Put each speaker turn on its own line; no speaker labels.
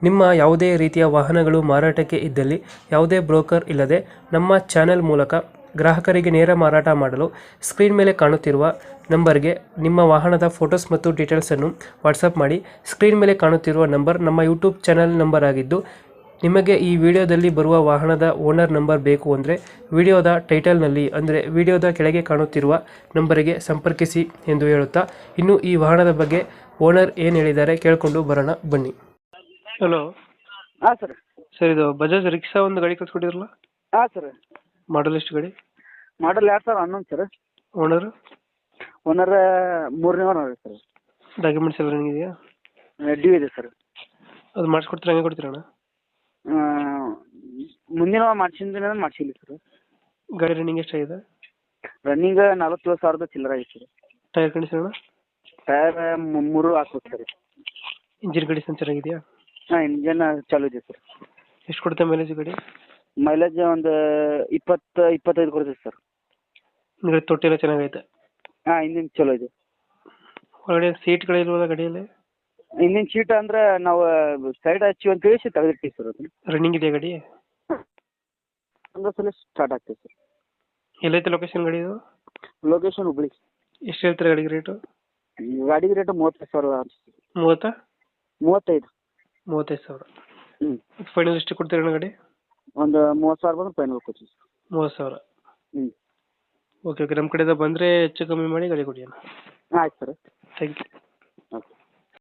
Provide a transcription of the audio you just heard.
ನಿಮ್ಮ ಯಾವುದೇ ರೀತಿಯ ವಾಹನಗಳು ಮಾರಾಟಕ್ಕೆ ಇದ್ದಲ್ಲಿ ಯಾವುದೇ ಬ್ರೋಕರ್ ಇಲ್ಲದೆ ನಮ್ಮ ಚಾನೆಲ್ ಮೂಲಕ ಗ್ರಾಹಕರಿಗೆ ನೇರ ಮಾರಾಟ ಮಾಡಲು ಸ್ಕ್ರೀನ್ ಮೇಲೆ ಕಾಣುತ್ತಿರುವ ನಂಬರ್ಗೆ ನಿಮ್ಮ ವಾಹನದ ಫೋಟೋಸ್ ಮತ್ತು ಡೀಟೇಲ್ಸನ್ನು ವಾಟ್ಸಪ್ ಮಾಡಿ. ಸ್ಕ್ರೀನ್ ಮೇಲೆ ಕಾಣುತ್ತಿರುವ ನಂಬರ್ ನಮ್ಮ ಯೂಟ್ಯೂಬ್ ಚಾನೆಲ್ ನಂಬರ್ ಆಗಿದ್ದು, ನಿಮಗೆ ಈ ವಿಡಿಯೋದಲ್ಲಿ ಬರುವ ವಾಹನದ ಓನರ್ ನಂಬರ್ ಬೇಕು ಅಂದರೆ ವಿಡಿಯೋದ ಟೈಟಲ್ನಲ್ಲಿ ಅಂದರೆ ವಿಡಿಯೋದ ಕೆಳಗೆ ಕಾಣುತ್ತಿರುವ ನಂಬರಿಗೆ ಸಂಪರ್ಕಿಸಿ ಎಂದು ಹೇಳುತ್ತಾ, ಇನ್ನು ಈ ವಾಹನದ ಬಗ್ಗೆ ಓನರ್ ಏನು ಹೇಳಿದ್ದಾರೆ ಕೇಳಿಕೊಂಡು ಬರೋಣ ಬನ್ನಿ. ಹಲೋ.
ಹಾಂ ಸರ್.
ಸರ್, ಇದು ಬಜಾಜ್ ರಿಕ್ಷಾ ಒಂದು ಗಾಡಿ ಕಳ್ಸ್ಕೊಟ್ಟಿದ್ರಲ್ಲ,
ಹಾಂ ಸರ್.
ಮಾಡಲ್ ಎಷ್ಟು ಗಾಡಿ?
Model 2011 sir.
ಓನರ್?
ಓನರ್ 3ನೇ ಓನರ್ ಸರ್.
ಡಾಕ್ಯುಮೆಂಟ್ಸ್ ಎಲ್ಲ ರನ್ನಿಂಗ್ ಇದೆಯಾ?
ಡ್ಯೂ ಇದೆ ಸರ್.
ಅದು ಮಾಡಿಸ್ಕೊಡ್ತೀರಾ, ಹಂಗೆ ಕೊಡ್ತೀರಣ್ಣ?
ಮುಂದಿನ ಮಾಡ್ಸಿಲ್ಲ ಸರ್.
ಗಾಡಿ ರನ್ನಿಂಗ್ ಎಷ್ಟಾಗಿದೆ?
ರನ್ನಿಂಗ್ 47,000 ಚಿಲ್ಲರ ಆಗಿದೆ ಸರ್.
ಟೈರ್ ಕಂಡೀಷನ್ ಅಣ್ಣ?
ಟೈರ್ 3 ಹಾಕ್ಬೇಕು ಸರ್.
ಇಂಜಿನ್ ಕಂಡೀಷನ್ ಚೆನ್ನಾಗಿದೆಯಾ?
ಹಾಂ, ಇಂಜನ್ ಚಾಲು ಇದೆ ಸರ್.
ಎಷ್ಟು ಕೊಡುತ್ತೆ ಮೈಲೇಜ್ ಗಾಡಿ?
ಮೈಲೇಜ್ ಒಂದು 20-25 ಕೊಡ್ತೈತೆ ಸರ್.
ಗಾಡಿ ತೊಟ್ಟಿ ಎಲ್ಲ ಚೆನ್ನಾಗೈತೆ?
ಹಾಂ, ಇಂಜಿನ್ ಚಲೋ ಇದೆ.
ಒಳಗಡೆ ಸೀಟ್ಗಳಿಲ್ವಲ್ಲ ಗಾಡಿಯಲ್ಲಿ?
ಇಂಜಿನ್ ಶೀಟ್ ಅಂದ್ರೆ ನಾವು ಸೈಡ್ ಹಚ್ಚಿ ಅಂತ ತಿಳಿಸಿ ತೆಗೆದಿರ್ತೀವಿ ಸರ್. ಅದನ್ನು
ರನ್ನಿಂಗ್ ಇದೆಯಾ ಗಾಡಿ?
ಒಂದು ಸಲ ಸ್ಟಾರ್ಟ್ ಆಗ್ತದೆ ಸರ್.
ಎಲ್ಲೈತೆ ಲೊಕೇಶನ್ ಗಾಡಿ ಇದು?
ಲೊಕೇಶನ್ ಹುಬ್ಳಿ.
ಎಷ್ಟು ಹೇಳ್ತಾರೆ ಗಾಡಿಗೆ ರೇಟು?
ಗಾಡಿಗೆ ರೇಟು 35,000 ಅನಿಸ್ತದೆ.
30?
35.
35,000.
ಹ್ಞೂ.
ಫೈನಲ್ ಎಷ್ಟು ಕೊಡ್ತೀರಣ್ಣ ಗಾಡಿ?
ಒಂದು 30,000 ಬಂದ್ರೆ ಫೈನಲ್ ಕೊಡ್ತೀವಿ ಸರ್.
30,000.
ಹ್ಞೂ.
ಓಕೆ, ನಮ್ಮ ಕಡೆಯಿಂದ ಬಂದರೆ ಹೆಚ್ಚು ಕಮ್ಮಿ ಮಾಡಿ ಗಾಡಿ ಕೊಡಿ ಅಣ್ಣ.
ಆಯ್ತು ಸರ್.
Thank you.